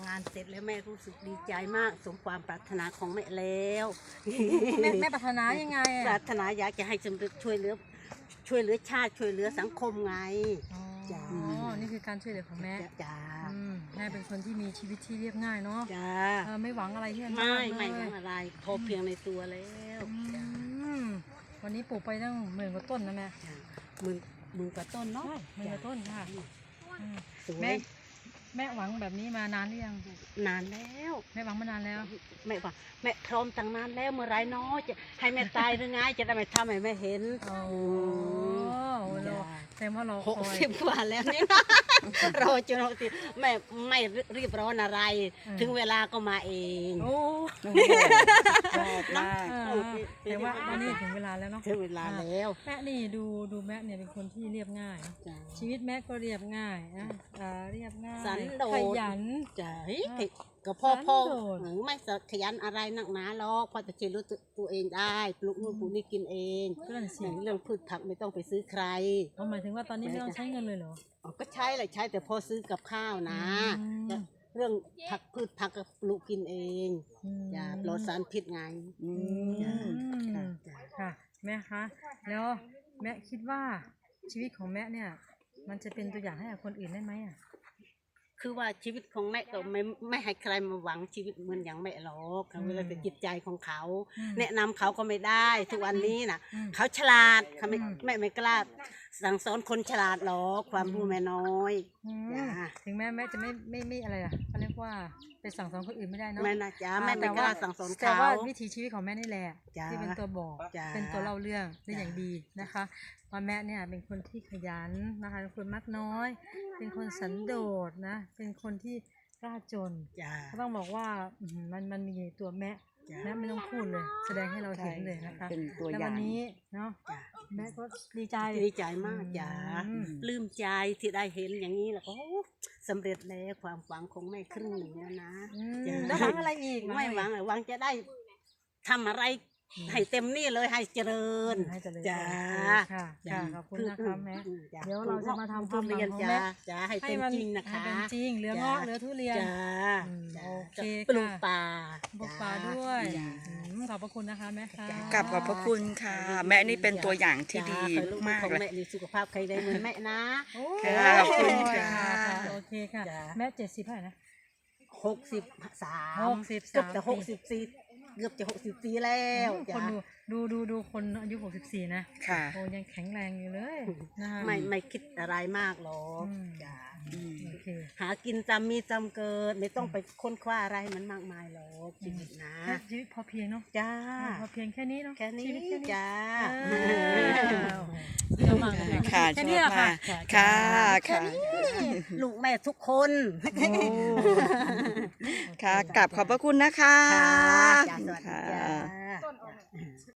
านเสร็จแล้วแม่รู้สึกดีใจมากสมความปรารถนาของแม่แล้วแม่ปรารถนายังไงปรารถนาอยากจะให้สำเร็จช่วยเหลือชาติช่วยเหลือสังคมไง จ้าอ๋อนี่คือการช่วยเหลือของแม่จ้าแม่เป็นคนที่มีชีวิตที่เรียบง่ายเนาะจ้าไม่หวังอะไรที่ไม่เลยทำอะไรพอเพียงในตัวแล้ววันนี้ปลูกไปตั้ง10,000 กว่าต้นนะแม่จ้ามือกว่าต้นเนาะ 10,000 กว่าต้นค่ะสวแม่ยแม่หวังแบบนี้มานานหรือยังนานแล้วแม่หวังมานานแล้วแม่ว่าแม่พร้อมตั้งนานแล้วเมื่อไรเนาะจะให้แม่ตายหรือไงจะได้ไม่ทำให้แม่เห็นโอ้โหแต่ว่าเรา 60 คอยกว่าแล้วนี่นะ รอจน60ไม่รีบร้อนอะไร ถึงเวลาก็มาเองโอ้ชอบมากแต่ว่าวันนี้ถึงเวลาแล้วเนาะถึงเวลาแล้วแม่นี่ดูแม่เนี่ยเป็นคนที่เรียบง่ายจ้ะชีวิตแม่ก็เรียบง่ายนะเรียบง่ายสันโดษขยันจ้ะก็พ่อสันโดษหรือไม่ขยันอะไรนักหนาหรอกพอจะเจรู้ตัวเองได้ปลูกนู่นปลูกนี่กินเองก็นั่นสิเรื่องพืชผักไม่ต้องไปซื้อใครหมายถึงว่าตอนนี้ไม่ต้องใช้เงินเลยเหรออ๋อก็ใช้แหละใช้แต่พอซื้อกับข้าวนะอืมแต่เรื่องพืชผักก็ปลูกกินเอง อย่าปลอดสารพิษไงอืมค่ะแม่คะแล้วแม่คิดว่าชีวิตของแม่เนี่ย มันจะเป็นตัวอย่างให้กับคนอื่นได้ไหมอ่ะคือว่าชีวิตของแม่ก็ไม่ให้ใครมาหวังชีวิตเหมือนอย่างแม่หรอกเวลาแต่จิตใจของเขา แนะนำเขาก็ไม่ได้ทุกวันนี้น่ะ เขาฉลาดเขาไม่กล้าสั่งสอนคนฉลาดหรอกความรู้แม่น้อย จ้ะถึงแม่จะไม่อะไรอ่ะเขาเรียกว่าไปสั่งสอนคนอื่นไม่ได้เนาะแม่นะจ๊ะแม่ไม่กล้าสั่งสอนแต่เขาว่าวิถีชีวิตของแม่นี่แหละจ้ะที่เป็นตัวบอกจ้ะเป็นตัวเล่าเรื่องได้จ้ะอย่างดีนะคะว่าแม่เนี่ยเป็นคนที่ขยันนะคะเป็นคนมักน้อย เป็นคนสันโดษนะเป็นคนที่กล้าจนจ้าก็ต้องบอกว่ามันมีตัวแม่จ้ะแม่ไม่ต้องพูดเลย แสดงให้เราเห็นเลยนะคะเป็นตัวแล้วอย่าวังนนี้เนาะจ้ะแม่ก็ดีใจดีใจมากจ้าอืมลืมใจที่ได้เห็นอย่างนี้แล้วก็สำเร็จแล้วความหวังของแม่ครึ่งหนึ่งแล้วนะ จ้ะแล้วหวังอะไรอีกไม่หวังหวังจะได้ทำอะไรให้เต็มนี่เลยให้เจริญให้เจริญจ้าค่ะจ้ะขอบคุณนะคะแม่จ้ะเดี๋ยวเราจะมาทำความหวังทุเรียนของจ้าแม่จ้าให้เป็นจริงนะคะให้เป็นจริงเหลือจ้ะเงาะเหลือทุเรียนจ้าอืมจ้าโอเคปลูกค่ะป่าปลูกป่าด้วยจ้าขอบพระคุณนะคะแม่ค่ะกลับขอบพระคุณค่ะ แม่นี่เป็นตัวอย่างที่ดีจ้ามากของเลยแม่นี่สุขภาพใครได้เหมือนแม่นะโอ้ค่ะขอบคุณค่ะโอเคค่ะจ้ะแม่70เท่าไหร่นะ 63 63 เกือบจะ64เกือบจะ64แล้วคจ้านดูคนอายุ64นะค่ะโอ้ยังแข็งแรงอยู่เลยนะคะไม่คิดอะไรมากหรอกอืมจ้าโอเคหากินจำมีจำเกิดไม่ต้องไปค้นคว้าอะไรให้มันมากมายหรอกชีวิตนะชีวิตพอเพียงเนาะจ้าพอเพียงแค่นี้เนาะแค่นี้ชีวิตแค่นี้จ้าเยี่ยมมากเลยค่ะแค่ชนี้อบแหละมาค่ะกค่ะ ค่ะลูกแม่ทุกคนค่ะกลับขอบพระคุณนะคะจ้าสวัสดีจ้า